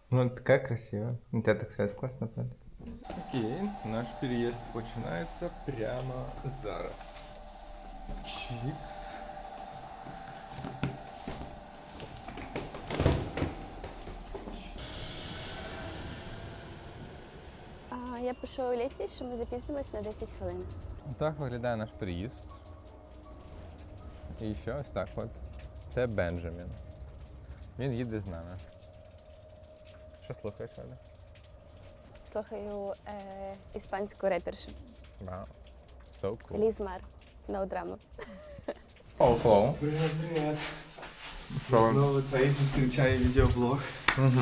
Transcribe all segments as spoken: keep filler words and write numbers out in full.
Ну, такая красивая. У тебя так свет классно падает. Окей, наш переезд починається прямо зараз. Чикс. А, я пишу Олесі, що ми запізнимось на десять хвилин. Так виглядає наш переїзд. І ще ось так от. Це Бенджамін. Він їде з нами. Що слухаєш, Оля? Слухаю е, іспанську репершу. Вау. So cool. Ліз Мар. No drama. Hello, hello. Привіт, привіт. Що? Знову цей зустрічає відеоблог. Угу.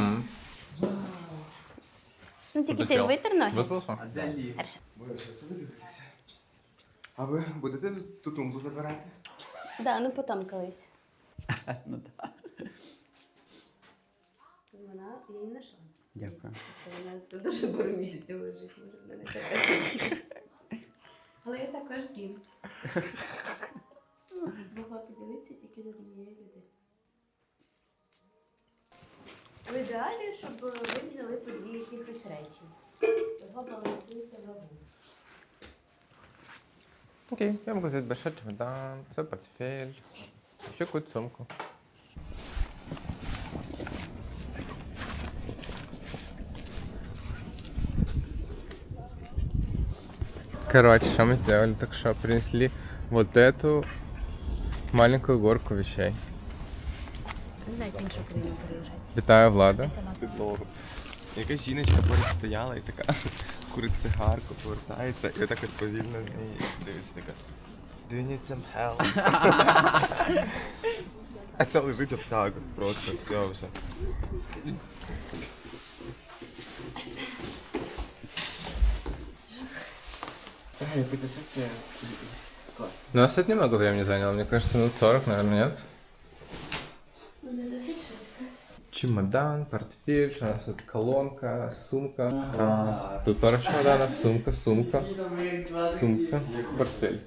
Ну тільки ти Подоспел. витер ноги. Виплухав? Перше. Ви що це ви дивитеся? А ви будете тут ту тумбу забирати? Да, ну потім колись. Ну так. Вона, я її знайшла. Дякую. Вона тут дуже пару місяців лежить, може в мене така. Але я також з'їм. Могла поділитися тільки з однією людиною. В ідеалі, щоб ви взяли по дві якихось речі. Того балансуйте вагу. Окей, я могу взять большой чемодан, свой портфель, еще какую-то сумку. Короче, что мы сделали? Так что принесли вот эту маленькую горку вещей. Не знаю, в іншу країну переїжджати. Вітаю, Влада. Це мама. Підлогу. Якась жіночка поряд стояла і така курить цигарку, повертається, і отак от повільно на неї дивиться така. Do you need some help? А це лежить отак от просто, все вже. Ай, путешествие классно. Ну, нас это немного времени заняло, мне кажется, минут сорок, наверное, нет? Ну, не досить швидко. Чемодан, портфель, у нас тут колонка, сумка. А, тут пара чемоданов, сумка, сумка, сумка, портфель.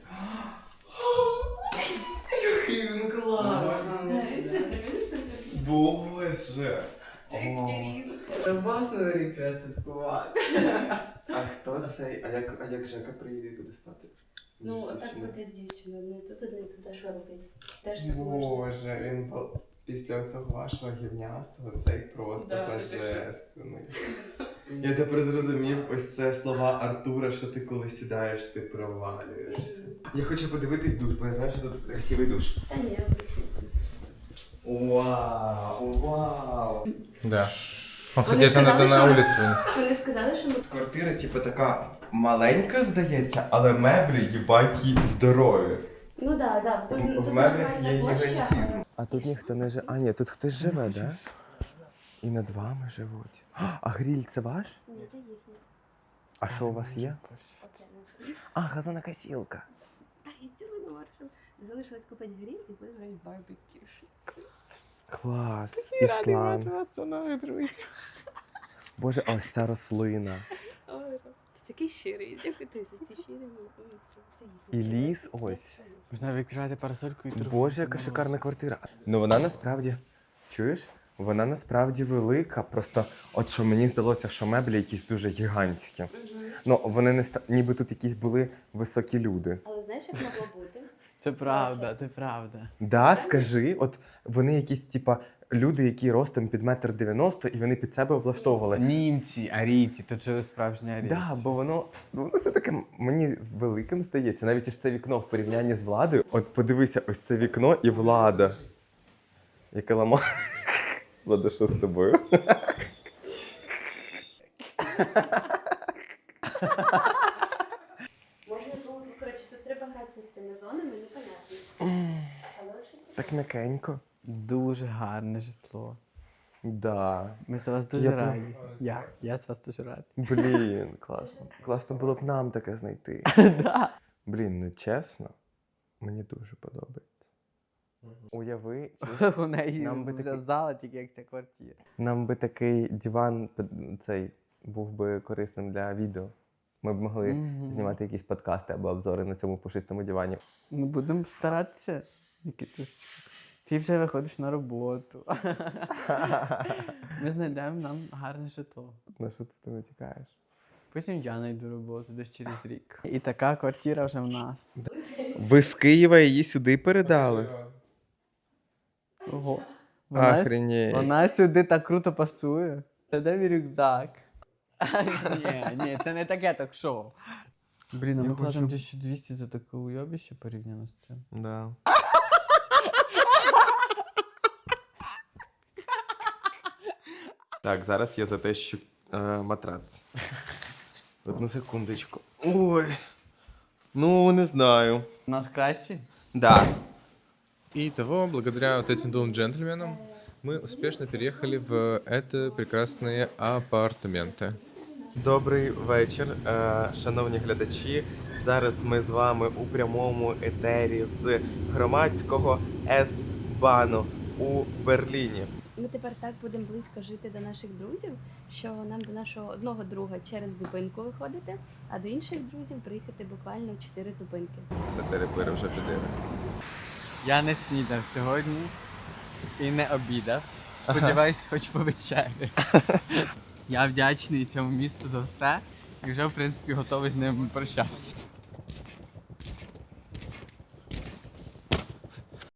Який він класний! Боже! Та вас на рік треба святкувати. А хто цей? А як, а як Жека приїде туди спати? Ну, З так дівчиною? буде з дівчиною, одне тут, одне тут, а що робити? Теж так можна. Боже, він по- після цього вашого гівнястого цей просто Да, божественний. Я тепер зрозумів ось це слова Артура, що ти коли сідаєш, ти провалюєшся. Я хочу подивитись душ, бо я знаю, що тут красивий душ. Та ні, обичний. Вау, вау. Да. Он, кстати, Вони это надо сказали, на що- улицу вынести. Вони сказали, що ми Квартира, типу, така маленька, здається, але меблі, їбать, їй здорові. Ну да, да. Тут, В тут меблях нормальна є площа, гігантизм. А тут ніхто не живе. А, ні, тут хтось живе, да? І над вами живуть. А гриль це ваш? але- Ні, це їхня. А що у вас є? Оце наша. А, газонокосілка. Та, їздили на маршрут. Залишилось купити гриль і будемо робити барбекю. Клас. І шланг. вас со мной, друзья. Боже, а ось ця рослина. Ой, ти такий щирий. Дякую тобі за ці щирі. Це І їхня. ліс ось. Можна відкривати парасольку і торгувати. Боже, яка шикарна квартира. Ну вона насправді, чуєш? Вона насправді велика. Просто от що мені здалося, що меблі якісь дуже гігантські. Ну, вони не ста... ніби тут якісь були високі люди. Але знаєш, як могло бути? Це правда, це правда. Да, скажи, от вони якісь, типа, люди, які ростом під метр дев'яносто, і вони під себе облаштовували. Німці, арійці, тут жили справжні арійці. Да, бо воно, ну, воно все таке мені великим здається. Навіть ось це вікно в порівнянні з Владою. От подивися, ось це вікно і Влада. Яке ламає. Влада, що з тобою? Можна було, коротше, тут треба гратися з цими зонами, непонятно. Але щось таке. Так м'якенько. Дуже гарне житло. Да. Ми за вас дуже Я прям- раді. Я, я з вас дуже радий. Блін, класно. Класно було б нам таке знайти. Да. Блін, ну чесно, мені дуже подобається. Уяви, У неї Нам би вся такий- зала, тільки як ця квартира. нам би такий диван під- цей був би корисним для відео. Ми б могли Мгм. знімати якісь подкасти або обзори на цьому пушистому дивані. Ми будемо старатися, Нікітусечка. Ти вже виходиш на роботу. Ми знайдемо нам гарне житло. На що це ти натякаєш? Потім я знайду роботу десь через рік. І така квартира вже в нас. Ви з Києва її сюди передали? Ого. Вона, Охренеть. вона сюди так круто пасує. Та де мій рюкзак? Ні, ні, це не таке ток-шоу. Блін, а Я ми платимо хочу- тисячу двісті за таке уйобище порівняно з цим. Да. Так, зараз я затещу е, матрац. Одну секундочку. Ой. Ну, не знаю. У нас кращі? Да. Итого, благодаря вот этим двум джентльменам, мы успешно переехали в это прекрасные апартаменты. Добрий вечір, е, шановні глядачі. Зараз ми з вами у прямому етері з громадського С-Бану у Берліні. Ми тепер так будемо близько жити до наших друзів, що нам до нашого одного друга через зупинку виходити, а до інших друзів приїхати буквально чотири зупинки. Все терепири вже підири. Я не снідав сьогодні і не обідав. Сподіваюсь, хоч по вечері. Я вдячний цьому місту за все і вже, в принципі, готовий з ним прощатися.